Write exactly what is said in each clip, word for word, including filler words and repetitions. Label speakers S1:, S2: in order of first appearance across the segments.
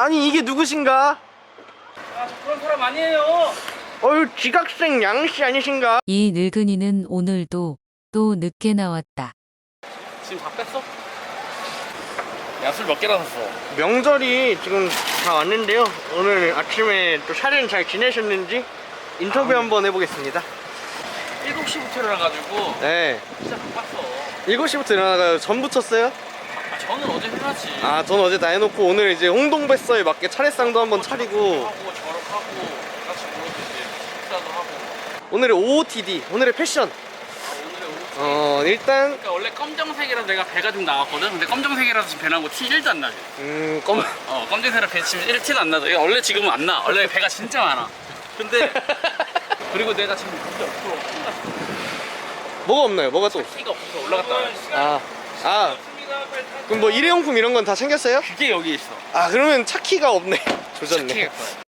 S1: 아니 이게 누구신가?
S2: 아, 저 그런 사람 아니에요.
S1: 어휴 지각생 양씨 아니신가?
S3: 이 늙은이는 오늘도 또 늦게 나왔다.
S2: 지금 다 뺐어? 야, 술 몇 개나 샀어?
S1: 명절이 지금 다 왔는데요. 오늘 아침에 또 샤렌 잘 지내셨는지 인터뷰
S2: 아,
S1: 한번 해보겠습니다.
S2: 일곱 시부터 일어나가지고
S1: 네.
S2: 진짜 바빴어.
S1: 일곱 시부터 일어나가요. 전 붙였어요?
S2: 아, 저는 어제 해놨지.
S1: 아, 전 어제 다 해놓고 오늘 이제 홍동뱃서에 맞게 차례상도 한번 차리고
S2: 하고 저렇하고 같이 모여서 이제 식사도 하고.
S1: 오늘의 오오티디, 오늘의 패션.
S2: 아, 오늘의 오후.
S1: 어, 일단
S2: 그러니까 원래 검정색이라서 내가 배가 좀 나왔거든. 근데 검정색이라서 지금 배 나고 티 일도 안 나지.
S1: 음, 검
S2: 어, 검정색이라 배 치면 일 티는 안 나죠. 이거 원래 지금은 안 나. 원래 배가 진짜 많아. 근데 그리고 내가 지금 진짜 없어.
S1: 뭐가 없나요? 뭐가 또?
S2: 티가 없어. 올라갔다.
S1: 아, 아, 그럼 뭐 일회용품 이런 건 다 챙겼어요?
S2: 그게 여기 있어.
S1: 아, 그러면 차 키가 없네. 조졌네.
S2: 착해.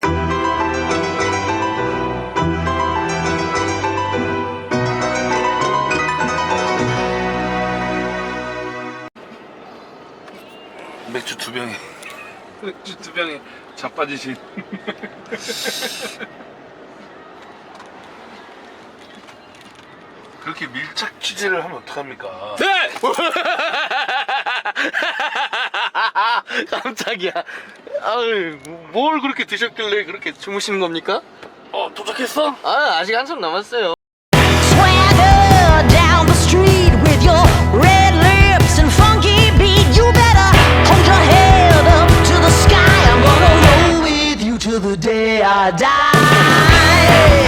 S4: 맥주 두 병에 맥주 두 병에 자빠지신 그렇게 밀착 취재를 하면 어떡합니까?
S2: 네!
S1: 깜짝이야. 아유, 뭘 그렇게 드셨길래 그렇게 주무시는 겁니까?
S2: 어, 도착했어?
S1: 아, 아직 한참 남았어요.
S5: Swagger down the street with your red lips and funky beat. You better hold your head up to the sky. I'm gonna roll with you till the day I die.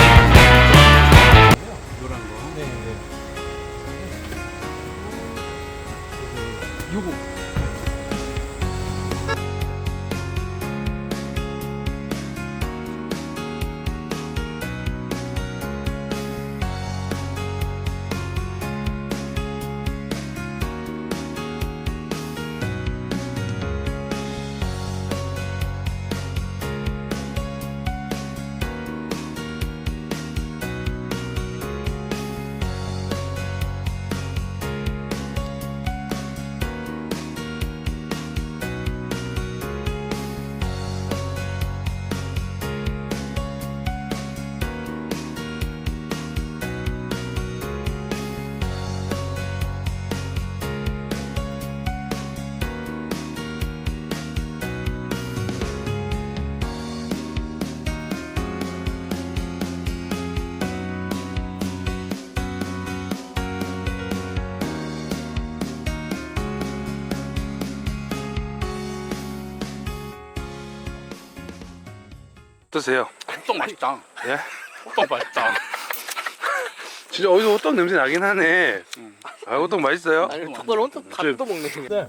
S4: 어떠세요?
S2: 호떡 맛있다.
S4: 예?
S2: 호떡 맛있다.
S4: 진짜 어디서 호떡 냄새 나긴 하네. 아, 호떡 맛있어요?
S1: 아니, 턱을 혼자 밥도 먹네. 그냥.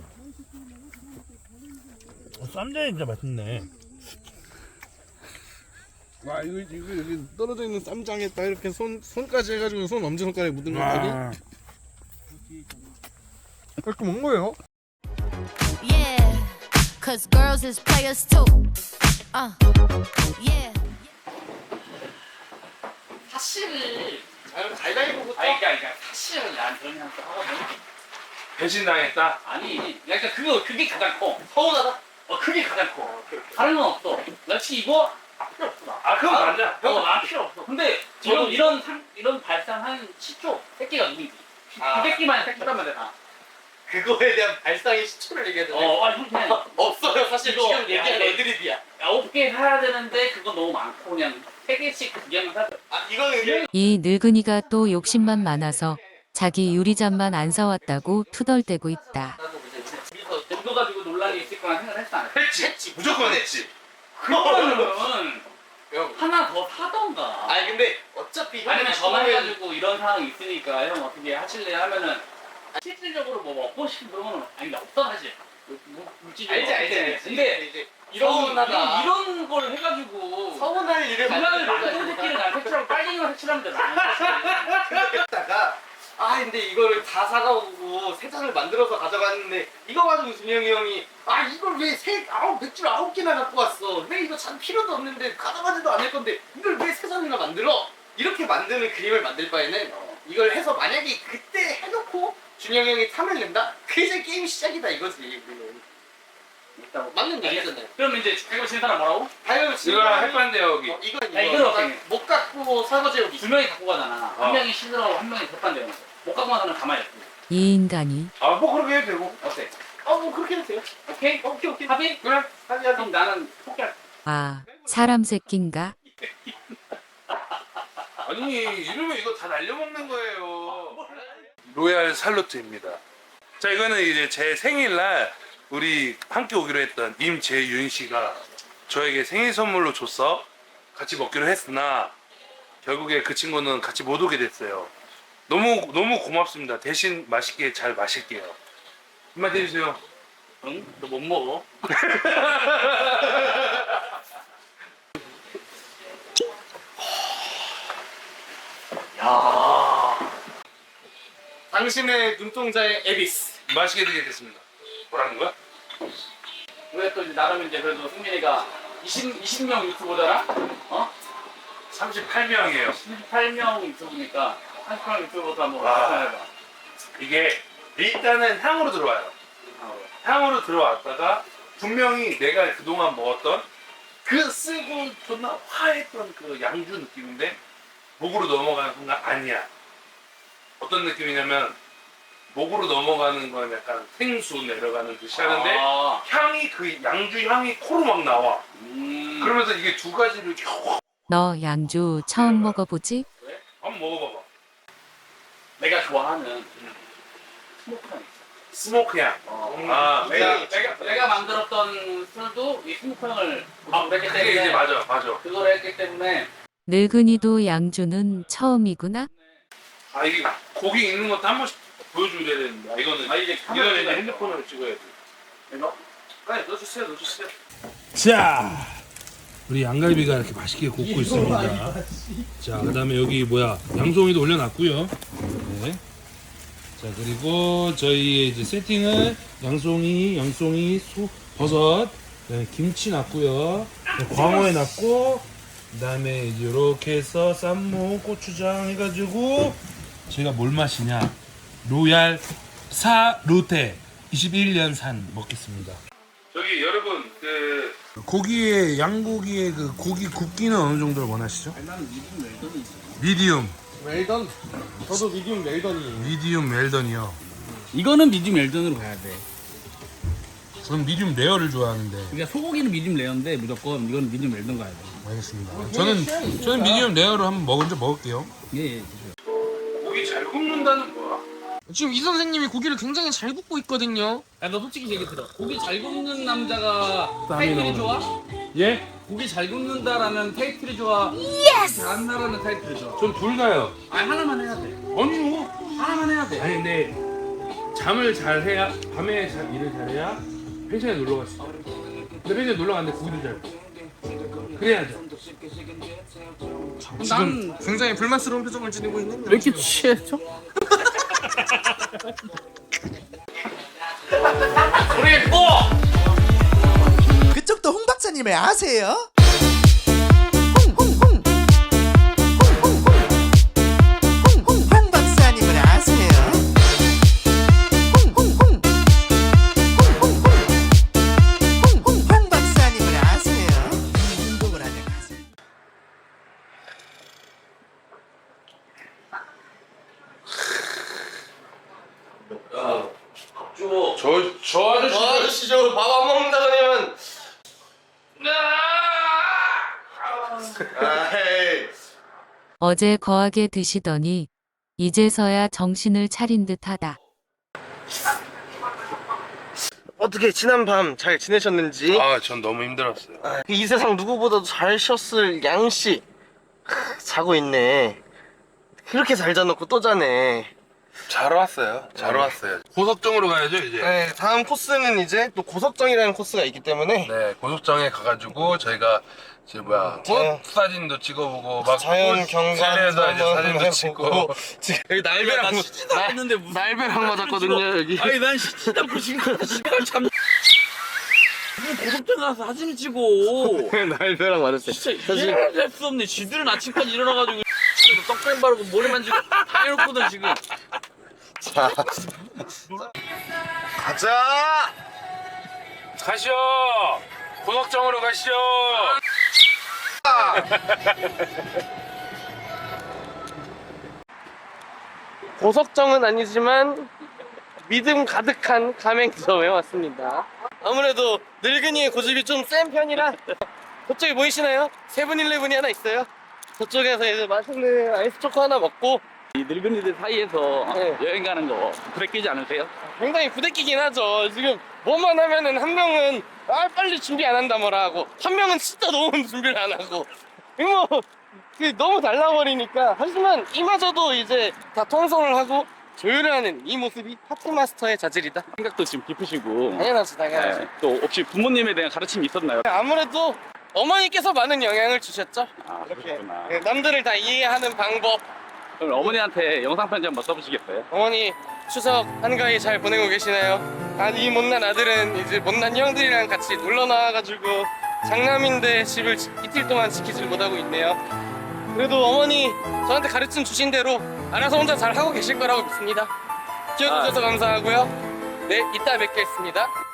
S6: 쌈장이 진짜 맛있네.
S7: 와 이거 이거 여기 떨어져 있는 쌈장에 딱 이렇게 손 손까지 해가지고 손 엄지 손가락에 묻은 거
S4: 아,
S7: 이렇게 먹는 거예요?
S5: Yeah, cause girls is players too. Uh, yeah.
S2: 사실을.
S1: 가위바위보부터.
S2: 아니, 그러니까, 그러니까 사실은 난 그런 생각도 하거든.
S4: 배신당했다.
S2: 아니, 약간 그거, 그게 가장 커. 서운하다? 어, 그게 가장 커. 다른 건 없어. 역시 이거 필요 없어.
S4: 아, 그건 맞아.
S2: 어, 난 필요 없어. 근데 이런 이런 상, 이런 발상 한 십 초 새끼가 누구지?
S1: 아.
S2: 두 새끼만 새끼라면 돼 다.
S1: 그거에 대한 발상의 시초를 얘기해야 되네.
S2: 어, 아니 그냥
S1: 없어요. 사실
S2: 이거
S1: 지금 얘기한
S2: 야,
S1: 애드립이야.
S2: 아홉 개 사야 되는데 그건 너무 많고 그냥 세 개씩 두 개만 사.
S1: 아, 이거는
S3: 이 늙은이가 또 욕심만 많아서 자기 유리잔만 안 사왔다고 투덜대고 있다.
S2: 나도 이제 집에서 이거 가지고 논란이 있을 거란 생각을 했어 안 했어?
S1: 했지. 했지. 무조건 했지.
S2: 그거는
S1: 형.
S2: 하나 더 사던가.
S1: 아니 근데 어차피 형이
S2: 아니면
S1: 처음엔
S2: 전화해가지고 이런 상황이 있으니까 형 어떻게 하실래 하면은 실질적으로 뭐 먹고 싶은 그런 거는 아니 없어 사실. 물- 물질적으로
S1: 알지 알지
S2: 없기
S1: 알지.
S2: 때문에. 근데
S1: 이제
S2: 이런
S1: 서운하다.
S2: 이런, 이런 걸 해가지고
S1: 서운할 일을
S2: 불안을
S1: 만드는
S2: 만드는 새끼를 난 색칠하고 빨갱이만 색칠하면 돼. 나는 사실.
S1: 했다가 아 근데 이거를 다 사가오고 세 잔을 만들어서 가져갔는데 이거 가지고 준영이 형이 아 이걸 왜세 아홉 맥주를 아홉 개나 갖고 왔어 왜 이거 잔 필요도 없는데 가져가지도 않을 건데 이걸 왜 세 잔이나 만들어 이렇게 만드는 그림을 만들 바에는 이걸 해서 만약에 그때 해놓고 준영이 형이 탐을 낸다? 그 이제 게임 시작이다 이거지.
S2: 있다고.
S1: 맞는 얘기잖아요.
S2: 그럼 이제 이거 진 사람 뭐라고?
S1: 아유
S4: 이거랑 햇반대 여기.
S1: 어, 이거
S2: 야,
S1: 이거
S2: 이거는
S1: 나
S2: 어떻게
S1: 못 갖고 설거지 여기.
S2: 두 명이 갖고 가잖아.
S4: 어.
S2: 한 명이 신으라고 한 명이 대판대는 거. 못 갖고 가는 사람은 가만히 있고.
S3: 이 인간이
S4: 아 뭐 그렇게 해도 되고.
S2: 어때?
S1: 어뭐 그렇게 해도 돼요.
S2: 오케이?
S1: 오케이 오케이.
S2: 합의?
S4: 그래.
S1: 하지 하지.
S2: 그럼 나는 포기할.
S3: 아 사람 새끼인가?
S4: 아니 이러면 이거 다 날려먹는 거예요. 로얄 살루트입니다. 자 이거는 이제 제 생일날 우리 함께 오기로 했던 임재윤 씨가 저에게 생일 선물로 줬어. 같이 먹기로 했으나 결국에 그 친구는 같이 못 오게 됐어요. 너무 너무 고맙습니다. 대신 맛있게 잘 마실게요. 한마디 해주세요.
S2: 응? 너 못 먹어. 야.
S1: 당신의 눈동자의 에비스.
S4: 맛있게 드리겠습니다. 뭐라는 거야?
S2: 왜 또 이제 나름 이제 그래도 승민이가 이십, 이십 명 유튜버잖아? 어?
S4: 삼십팔 명이에요.
S2: 십팔 명 유튜브니까 삼십 명 유튜버도 한번
S4: 아.
S2: 해봐.
S4: 이게 일단은 향으로 들어와요.
S2: 어.
S4: 향으로 들어왔다가 분명히 내가 그동안 먹었던 그 쓰고 존나 화했던 그 양주 느낌인데 목으로 넘어가는 순간 아니야. 어떤 느낌이냐면 목으로 넘어가는 건 약간 생수 내려가는 듯이 하는데
S2: 아.
S4: 향이 그 양주 향이 코로 막 나와.
S2: 음.
S4: 그러면서 이게 두 가지를 확
S3: 너 양주 처음 먹어보지?
S4: 한번 먹어봐봐.
S2: 내가 좋아하는 스모크 향 있어.
S4: 스모크 향.
S2: 어.
S4: 아,
S2: 내가, 내가, 내가 만들었던 술도 이 스모크 향을
S4: 아,
S2: 했기
S4: 그게 이제
S2: 때문에
S4: 맞아, 맞아.
S2: 그걸 했기 때문에
S3: 늙은이도 양주는 처음이구나?
S4: 아 이게 고기 있는 것도 한 번씩 보여줘야 되는데 아, 이거는
S2: 아, 이제
S4: 이거는
S2: 카메라가
S4: 이제
S2: 있어.
S4: 핸드폰으로 찍어야 돼.
S2: 이거?
S4: 네, 넣어주세요, 넣어주세요.
S6: 자, 우리 양갈비가 이렇게 맛있게 굽고 있습니다. 자, 그다음에 여기 뭐야 양송이도 올려놨고요. 네. 자, 그리고 저희 이제 세팅은 양송이, 양송이, 소, 버섯, 그다음에 김치 놨고요. 광어에 놨고, 그다음에 이제 이렇게 해서 쌈무, 고추장 해가지고 저희가 뭘 마시냐? 로얄 사루테 이십일 년 산 먹겠습니다.
S4: 저기 여러분 그
S6: 고기의 양고기의 그 고기 굽기는 어느 정도를 원하시죠?
S2: 나는 미디움 웰던이 있어.
S6: 미디움,
S7: 웰던. 저도 미디움 웰던이에요.
S6: 미디움 웰던이요.
S2: 이거는 미디움 웰던으로 가야 돼.
S6: 저는 미디움 레어를 좋아하는데.
S2: 그러니까 소고기는 미디움 레어인데 무조건 이거는 미디움 웰던 가야 돼.
S6: 알겠습니다. 저는 저는 미디움 레어로 한번 먼저 먹을게요.
S2: 예, 예.
S4: 고기 잘 굽는다는 거야.
S7: 지금 이 선생님이 고기를 굉장히 잘 굽고 있거든요.
S2: 야, 너 솔직히 얘기 들어. 고기 잘 굽는 남자가 타이틀이 좋아?
S6: 예?
S2: 고기 잘 굽는다라는 타이틀이 좋아? 예스! 잘한다라는 타이틀이 좋아?
S6: 전 둘 다요.
S2: 아니, 하나만 해야 돼.
S6: 아니요.
S2: 하나만 해야 돼.
S6: 아니 근데 잠을 잘 해야 밤에 잘 일을 잘해야 펜션에 놀러 갈 수 있어요. 근데 펜션에 놀러 갔는데 고기도 잘 굽고. 그래야죠.
S7: 지금 굉장히 불만스러운 표정을 지니고 있는.
S2: 왜 이렇게 취했죠? 우리 뽀!
S8: 그쪽도 홍 박사님을 아세요? 홍홍홍 홍홍홍 홍홍 박사님을 아세요? 홍홍홍 홍홍홍 홍홍 박사님을 아세요? 이 운동을 하는 가수.
S2: 줘.
S4: 저, 저 아저씨.
S1: 저 아저씨 저거 밥 안 먹는다 그러면. 아이.
S3: 어제 거하게 드시더니 이제서야 정신을 차린 듯하다.
S1: 어떻게 지난 밤 잘 지내셨는지.
S4: 아, 전 너무 힘들었어요.
S1: 아, 이 세상 누구보다도 잘 쉬었을 양씨 자고 있네. 그렇게 잘 자놓고 또 자네.
S4: 잘 왔어요. 잘 왔어요. 고석정으로 가야죠 이제.
S1: 네, 다음 코스는 이제 또 고석정이라는 코스가 있기 때문에
S4: 네, 고속정에 가가지고 저희가 이제 뭐야 꽃 사진도 찍어보고 막
S1: 자연
S4: 꽃
S1: 경관도
S4: 산에서 이제
S1: 한번
S4: 사진도
S1: 해보고.
S4: 찍고
S1: 지금 여기 날배랑 무- 날-
S2: 했는데 무슨
S1: 날배랑 맞았거든요 여기.
S2: 아니 난 씻지도 않고 지금 시간 참 고속정 가서 사진 찍어.
S1: 날배랑 맞았어요.
S2: 진짜 이해를 할 수 없네. 지들은 아침까지 일어나가지고 떡뱀 바르고 머리 만지고 다 해놓거든 지금.
S1: 자, 가자.
S6: 가시죠. 고석정으로 가시죠.
S1: 고석정은 아니지만 믿음 가득한 가맹점에 왔습니다. 아무래도 늙은이의 고집이 좀 센 편이라 저쪽에 보이시나요? 세븐일레븐이 하나 있어요. 저쪽에서 이제 맛있는 아이스 초코 하나 먹고
S2: 이 늙은이들 사이에서
S1: 네.
S2: 여행 가는 거 부대끼지 않으세요?
S1: 굉장히 부대끼긴 하죠. 지금 뭐만 하면은 한 명은 아 빨리 준비 안 한다 뭐라 하고 한 명은 진짜 너무 준비를 안 하고 이거 뭐 그 너무 달라버리니까 하지만 이마저도 이제 다 통솔을 하고 조율을 하는 이 모습이 파티 마스터의 자질이다.
S2: 생각도 지금 깊으시고
S1: 당연하지 당연하지.
S2: 네. 또 혹시 부모님에 대한 가르침이 있었나요?
S1: 아무래도 어머니께서 많은 영향을 주셨죠.
S2: 아
S1: 이렇게
S2: 그렇구나.
S1: 네, 남들을 다 이해하는 방법.
S2: 그럼 어머니한테 영상 편지 한번 써보시겠어요?
S1: 어머니 추석 한가위 잘 보내고 계시나요? 아, 이 못난 아들은 이제 못난 형들이랑 같이 놀러 나와가지고 장남인데 집을 지- 이틀 동안 지키질 못하고 있네요. 그래도 어머니 저한테 가르침 주신 대로 알아서 혼자 잘 하고 계실 거라고 믿습니다. 키워주셔서 감사하고요. 네, 이따 뵙겠습니다.